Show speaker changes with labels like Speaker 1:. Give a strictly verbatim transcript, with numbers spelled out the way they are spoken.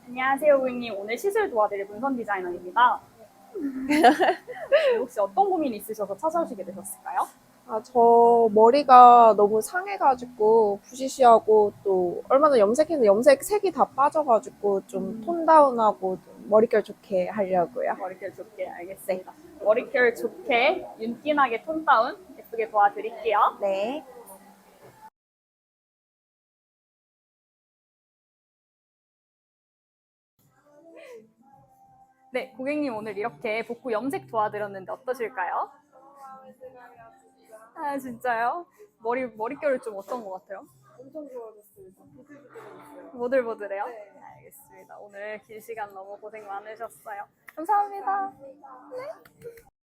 Speaker 1: 안녕하세요, 고객님. 오늘 시술 도와드릴 문선 디자이너입니다. 혹시 어떤 고민이 있으셔서 찾아오시게 되셨을까요?
Speaker 2: 아, 저 머리가 너무 상해가지고 부시시하고 또 얼마 전에 염색했는데 염색 색이 다 빠져가지고 좀 톤 다운하고 좀 머릿결 좋게 하려고요.
Speaker 1: 머릿결 좋게
Speaker 2: 네.
Speaker 1: 알겠습니다. 머릿결 좋게 윤기나게 톤 다운 예쁘게 도와드릴게요.
Speaker 2: 네.
Speaker 1: 네, 고객님 오늘 이렇게 복부 염색 도와드렸는데 어떠실까요? 아, 진짜요? 머리, 머릿결 좀 어떤 것 같아요?
Speaker 2: 엄청 좋아졌어요. 부들부들해졌어요.
Speaker 1: 보들보들해요?
Speaker 2: 네.
Speaker 1: 알겠습니다. 오늘 긴 시간 너무 고생 많으셨어요. 감사합니다.